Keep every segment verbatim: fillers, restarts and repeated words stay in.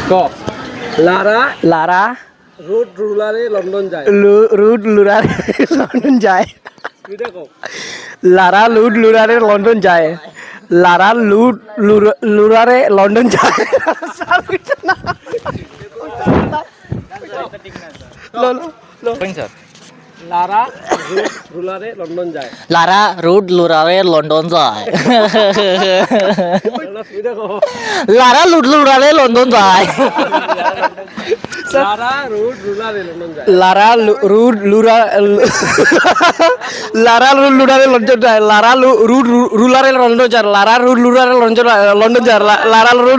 ক Lara Lara road রুলারে London যায় রুড লুরারে লন্ডন যায় এটা ক লারা লুড লুরারে লন্ডন যায় লারা লুড লুরারে লন্ডন যায় লারা রোড রুলারে লন্ডন যায় লারা রুড লুরারে লন্ডন যায় এটা ক লারা লুড লুরারে লন্ডন যায় লারা রোড রুলারে লন্ডন যায় লারা রুড লুরা লারা রুড লুরারে লন্ডন যায় লারা রুড রুলারে লন্ডন যায় লারা রুড লুরারে লন্ডন লন্ডন যায় লারা রুড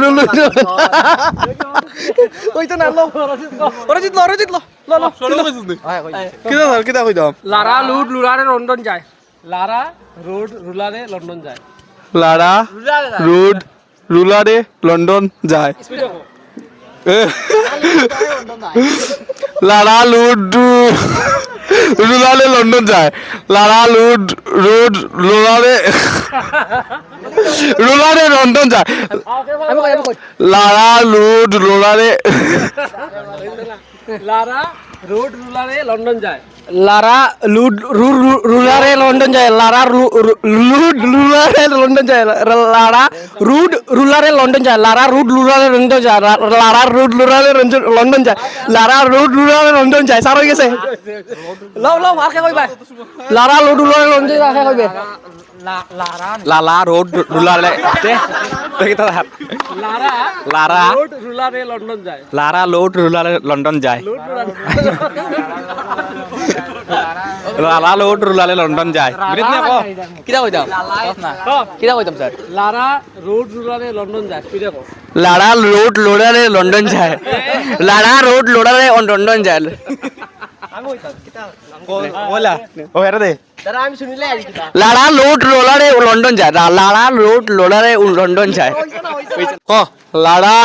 ওই তো না লো ওরে জিতলো ওরে জিতলো লো লো কিদা কিদা কই দাও লারা রুড লুরারে লন্ডন যায় লারা রোড রুলারে লন্ডন যায় লারা রুড রুলারে লন্ডন যায় এটা ক লারা লুড রুলারে লন্ডন যায় লারা লুড রুড রুলারে রুলারে লন্ডন যায় লারা লুড রুলারে লারা রোড রুলারে লন্ডন যায় লারা লুড রুলারে লন্ডন যায় লারা লুড রুলারে লন্ডন যায় লারা রুড রুলারে লন্ডন যায় লারা রুড রুলারে লন্ডন যায় লারা রুড রুলারে লন্ডন যায় লারা রুড রুলারে লন্ডন যায় সার হয়ে গেছে লও লও আর কে কইবা লারা লুড রুলারে লন্ডন যায় কে কইবে লালা রোড রুলারে লারা লারা রোড রুলারে লন্ডন যায় লারা লোড রুলারে লন্ডন যায় লালা লোড রুলারে লন্ডন যায় কিটা কইতাম কিটা কইতাম স্যার লারা রোড রুলারে লন্ডন যায় এটা ক লারা রোড লোডারে লন্ডন যায় লারা রোড লোডারে লন্ডন যায় বলা ও হেরে দে লারা রোড লোডারে লন্ডন যায় লারা রোড লোডারে লন্ডন যায় ক লারা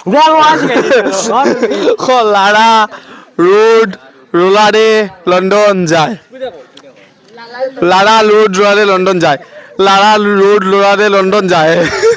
ক লারা রোড রুলারে লন্ডন যায় লারা রোড রুলারে লন্ডন যায় লারা রোড রুলারে লন্ডন যায়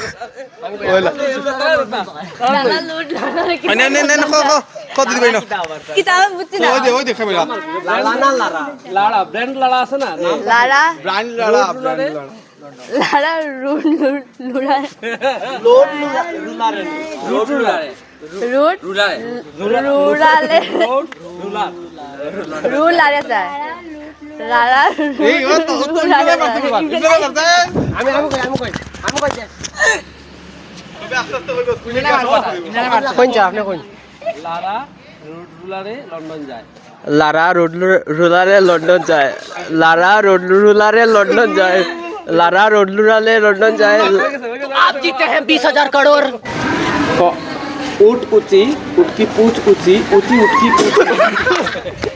নে নে নে ক ক ক দিদি ভাই না কিতাব বুঝছি না ওই দে ওই দেখা মিলা লারা ব্র্যান্ড লারা আছে না নাম Lara brand Lara brand Lara Lara রুড লুড়া রোড রুলারে রোড রুলারে রুড রুলারে রুড়ালে রোড রুলার রুলারে স্যার লারা এই ও তো তো ইংরেজি করতে পারবা ইংরেজি করতে আমি আমি কই আমি কই আমি কই যে তবে আস্তে আস্তে কইবো কুইনা কোন যা আপনি কোন লারা রোড রুলারে লন্ডন যায় লারা রোড রুলারে লন্ডন যায় লারা রোড রুলারে লন্ডন যায় লারা রোড রুলারে লন্ডন যায় आप जीते हैं बीस हजार करोड़ উট উচি উটকি পুচ উচি উচি উটকি পুচ